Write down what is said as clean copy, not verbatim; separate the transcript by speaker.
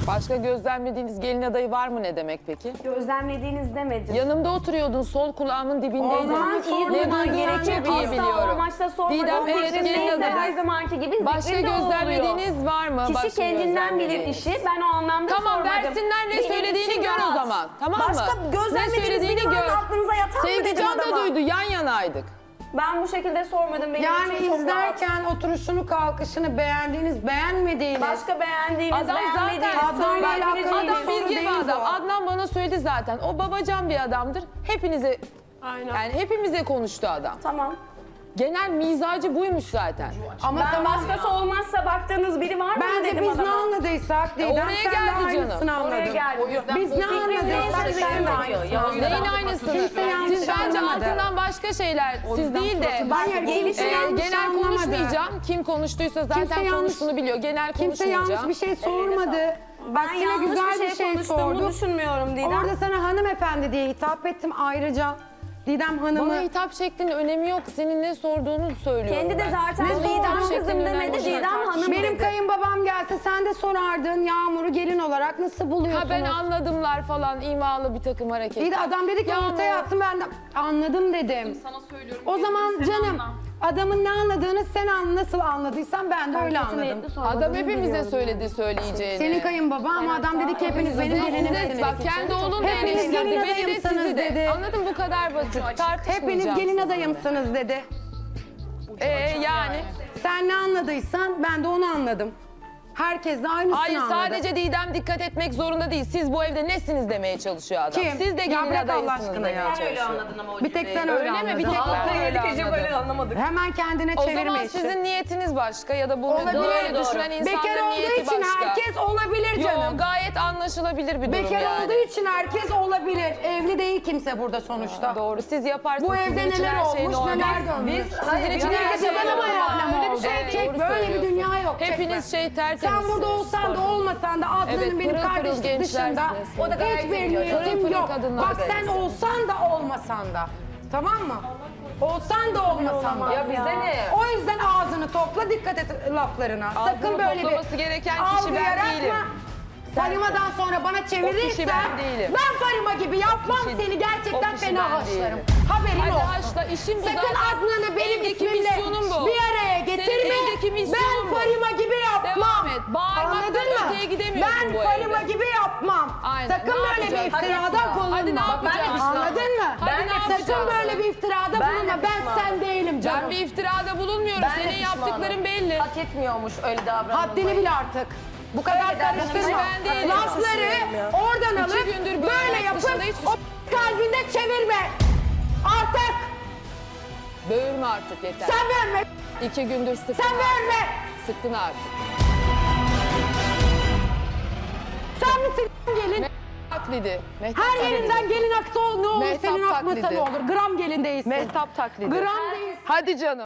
Speaker 1: Başka gözlemlediğiniz gelin adayı var mı ne demek peki?
Speaker 2: Gözlemlediğiniz demedim.
Speaker 1: Yanımda oturuyordun, sol kulağımın dibindeydin.
Speaker 2: zaman iyi duyman gerekir.
Speaker 1: Çok iyi
Speaker 2: Asla
Speaker 1: biliyorum.
Speaker 2: o amaçla sormadım.
Speaker 1: Didem, evet,
Speaker 2: Fikrim
Speaker 1: gelin
Speaker 2: neyse her
Speaker 1: adayı.
Speaker 2: zamanki gibi
Speaker 1: Başka
Speaker 2: zikrim de o oluyor.
Speaker 1: gözlemlediğiniz var mı?
Speaker 2: Kişi
Speaker 1: Başka
Speaker 2: kendinden bilir
Speaker 1: gözlemlediğiniz?
Speaker 2: işi. Ben o anlamda
Speaker 1: Tamam,
Speaker 2: sormadım.
Speaker 1: versinler ne
Speaker 2: Benim
Speaker 1: söylediğini
Speaker 2: içim
Speaker 1: gör o
Speaker 2: rahat.
Speaker 1: zaman. Tamam mı?
Speaker 2: Başka
Speaker 1: Ne
Speaker 2: gözlemlediğiniz
Speaker 1: söylediğini
Speaker 2: bir
Speaker 1: gör.
Speaker 2: aklınıza yatan mı dedim
Speaker 1: Sevgican da
Speaker 2: adama?
Speaker 1: duydu, yan yanaydık.
Speaker 2: Ben bu şekilde sormadım. Benim
Speaker 3: Yani
Speaker 2: için çok rahat.
Speaker 3: izlerken oturuşunu, kalkışını beğendiğiniz, beğenmediğiniz.
Speaker 2: Başka beğendiğiniz,
Speaker 1: Adam
Speaker 2: beğenmediğiniz,
Speaker 1: zaten
Speaker 2: söyleyebileceğiniz.
Speaker 1: adam bilge
Speaker 3: değil
Speaker 1: bir adam.
Speaker 3: bu.
Speaker 1: Adnan bana söyledi zaten. O babacan bir adamdır. Hepinize yani hepimize konuştu adam.
Speaker 2: Tamam.
Speaker 1: Genel mizacı buymuş zaten.
Speaker 3: Ama
Speaker 2: Ben
Speaker 3: tamam.
Speaker 2: başkası olmazsa baktığınız biri var mı
Speaker 3: Bence
Speaker 2: dedim
Speaker 3: biz ne
Speaker 2: adama.
Speaker 3: anladıysak Didem
Speaker 1: oraya
Speaker 3: sen de
Speaker 1: geldi canım.
Speaker 3: aynısını anladın.
Speaker 2: Oraya geldi.
Speaker 3: Biz ne anladıysak sen de aynısını anladın.
Speaker 1: Neyin aynısını?
Speaker 3: Kimse yanlış
Speaker 1: Siz bence
Speaker 3: anlamadı.
Speaker 1: altından başka şeyler, siz değil de
Speaker 3: Hayır, kimse yanlış
Speaker 1: genel
Speaker 3: anlamadı.
Speaker 1: konuşmayacağım. Kim konuştuysa zaten
Speaker 3: Kimse yanlış-
Speaker 1: konuştuğunu biliyor. Genel
Speaker 3: Kimse
Speaker 1: konuşmayacağım.
Speaker 3: yanlış bir şey sormadı.
Speaker 2: Ben
Speaker 3: Aksine
Speaker 2: yanlış
Speaker 3: güzel
Speaker 2: bir şey konuştuğumu
Speaker 3: sordu.
Speaker 2: düşünmüyorum Didem.
Speaker 3: Orada sana hanımefendi diye hitap ettim ayrıca. Didem Hanım'ı...
Speaker 1: Bana hitap şeklinin önemi yok. Senin ne sorduğunu söylüyorum
Speaker 2: Kendi de
Speaker 1: ben.
Speaker 2: zaten
Speaker 1: Bana hitap
Speaker 2: Didem
Speaker 1: şeklinin
Speaker 2: kızım
Speaker 1: önemi
Speaker 2: demedi,
Speaker 1: yok.
Speaker 2: Didem hanım
Speaker 3: Benim
Speaker 2: dedi.
Speaker 3: kayınbabam gelse sen de sorardın Yağmur'u gelin olarak nasıl buluyorsunuz?
Speaker 1: Ha ben anladımlar falan imalı bir takım hareketler.
Speaker 3: İyi de adam dedi ki
Speaker 1: Yağmur.
Speaker 3: ortaya attım ben de anladım dedim.
Speaker 4: Sana söylüyorum.
Speaker 3: O zaman
Speaker 4: sen
Speaker 3: canım
Speaker 4: anla.
Speaker 3: adamın ne anladığını sen nasıl anladıysan ben de öyle anladım.
Speaker 1: Adam hepimize söyledi söyleyeceğini.
Speaker 3: Senin kayınbaba ama adam dedi ki hepiniz benim
Speaker 1: Size,
Speaker 3: gelinimsiniz.
Speaker 1: bak kendi oğlun da
Speaker 3: Hepiniz
Speaker 1: eleştirdi.
Speaker 3: gelin
Speaker 1: Beni de
Speaker 3: adayımsınız
Speaker 1: sizi de.
Speaker 3: dedi.
Speaker 1: Anladın mı? Bu kadar basit. Tartışmayacağım.
Speaker 3: Hepiniz gelin
Speaker 1: sizinle.
Speaker 3: adayımsınız dedi.
Speaker 1: Yani.
Speaker 3: Sen ne anladıysan ben de onu anladım. Herkes de aynısını
Speaker 1: Hayır
Speaker 3: anladı.
Speaker 1: sadece Didem dikkat etmek zorunda değil. Siz bu evde nesiniz demeye çalışıyor adam.
Speaker 3: Kim?
Speaker 1: Siz de
Speaker 3: Ya
Speaker 1: gelin
Speaker 3: bırak Allah
Speaker 1: adayısınız
Speaker 3: aşkına
Speaker 1: demeye
Speaker 3: ya.
Speaker 1: çalışıyor.
Speaker 3: Bir tek sen öyle,
Speaker 1: Öyle mi?
Speaker 3: anladın.
Speaker 1: Bir tek ben öyle anladım.
Speaker 2: anlamadık.
Speaker 3: Hemen kendine
Speaker 1: O
Speaker 3: çevirme
Speaker 1: zaman
Speaker 3: işte.
Speaker 1: sizin niyetiniz başka ya da bunu
Speaker 3: Olabilir.
Speaker 1: böyle
Speaker 3: Doğru.
Speaker 1: düşünen
Speaker 3: Bekar
Speaker 1: insanların
Speaker 3: olduğu
Speaker 1: niyeti
Speaker 3: için
Speaker 1: başka.
Speaker 3: herkes olabilir canım.
Speaker 1: Yo, gayet anlaşılabilir bir durum
Speaker 3: Bekar
Speaker 1: yani.
Speaker 3: olduğu için herkes olabilir. Evli değil kimse burada sonuçta.
Speaker 1: Doğru. Siz yaparsınız.
Speaker 3: Bu
Speaker 1: Sizin
Speaker 3: evde
Speaker 1: için
Speaker 3: neler
Speaker 1: her şey
Speaker 3: olmuş,
Speaker 1: normal.
Speaker 3: neler dönmüş.
Speaker 1: Sizin için her şey
Speaker 3: Neyse,
Speaker 1: normal.
Speaker 3: ama öyle bir şey
Speaker 1: Evet,
Speaker 3: çek,
Speaker 1: doğru
Speaker 3: böyle bir
Speaker 1: söylüyorsun.
Speaker 3: dünya yok.
Speaker 1: Hepiniz
Speaker 3: çekme.
Speaker 1: şey tertemiz.
Speaker 3: Sen burada olsan da olmasan da Adnan'ın
Speaker 1: Evet,
Speaker 3: benim
Speaker 1: pırıl pırıl
Speaker 3: kardeşlik
Speaker 1: gençlersiniz.
Speaker 3: dışında
Speaker 1: O da gayet
Speaker 3: hiçbir
Speaker 1: iyi biliyor. Pırıl
Speaker 3: niyetim
Speaker 1: pırıl
Speaker 3: yok.
Speaker 1: kadınlar
Speaker 3: Bak sen
Speaker 1: deriz.
Speaker 3: olsan da olmasan da. Tamam mı? Olsan da olmasan da.
Speaker 1: Ya bize ne?
Speaker 3: O yüzden ağzını topla, dikkat et laflarına. Sakın böyle
Speaker 1: toplaması
Speaker 3: bir
Speaker 1: gereken kişi ben
Speaker 3: algı
Speaker 1: değilim.
Speaker 3: yaratma. Farimadan sonra bana çevirirsen
Speaker 1: ben değilim.
Speaker 3: ben Farima gibi yapmam
Speaker 1: kişi-
Speaker 3: seni
Speaker 1: o
Speaker 3: gerçekten
Speaker 1: kişi
Speaker 3: fena
Speaker 1: ben
Speaker 3: haşlarım.
Speaker 1: değilim.
Speaker 3: Haberin
Speaker 1: Hadi
Speaker 3: olsun.
Speaker 1: haşla, işin bu
Speaker 3: Sakın
Speaker 1: zaten.
Speaker 3: Adnan'ı benim
Speaker 1: Evdeki
Speaker 3: ismimle
Speaker 1: misyonun bu.
Speaker 3: bir araya getirme.
Speaker 1: evdeki misyonun
Speaker 3: Ben
Speaker 1: bu.
Speaker 3: Farima gibi yapmam.
Speaker 1: Devam et. Bağırmaktan
Speaker 3: Anladın mı?
Speaker 1: öteye gidemiyorsun
Speaker 3: ben
Speaker 1: bu
Speaker 3: Farima
Speaker 1: evde.
Speaker 3: gibi yapmam.
Speaker 1: Aynen.
Speaker 3: Sakın
Speaker 1: Ne
Speaker 3: böyle bir
Speaker 1: yapacağız?
Speaker 3: iftirada
Speaker 1: Hadi
Speaker 3: bulunma.
Speaker 1: Hadi ne yapacağız?
Speaker 3: Anladın mı?
Speaker 1: Hadi ne
Speaker 3: Sakın
Speaker 1: yapacağız?
Speaker 3: böyle bir iftirada bulunma. Ben sen değilim canım.
Speaker 1: Ben bir iftirada bulunmuyorum. Senin yaptıkların belli.
Speaker 2: Hak etmiyormuş öyle davranmayı.
Speaker 3: Haddini bil artık. Bu kadar karıştırma.
Speaker 1: ben değilim.
Speaker 3: Lafları oradan alıp
Speaker 1: gündür
Speaker 3: böyle
Speaker 1: bölmek
Speaker 3: yapıp
Speaker 1: dışında hiçbir
Speaker 3: o kalbinde çevirme. Artık
Speaker 1: Böğürme artık yeter.
Speaker 3: sen verme.
Speaker 1: 2 gündür sıktın.
Speaker 3: Sen verme.
Speaker 1: Sıktın artık.
Speaker 3: Sen misin gelin?
Speaker 1: Taklidi.
Speaker 3: Her yerinden gelin aksa ne olur
Speaker 1: Mehtap
Speaker 3: senin akmasa
Speaker 1: taklidi.
Speaker 3: ne olur. Gram gelin değilsin.
Speaker 1: Mehtap taklidi.
Speaker 3: Gram değilsin.
Speaker 1: Hadi canım.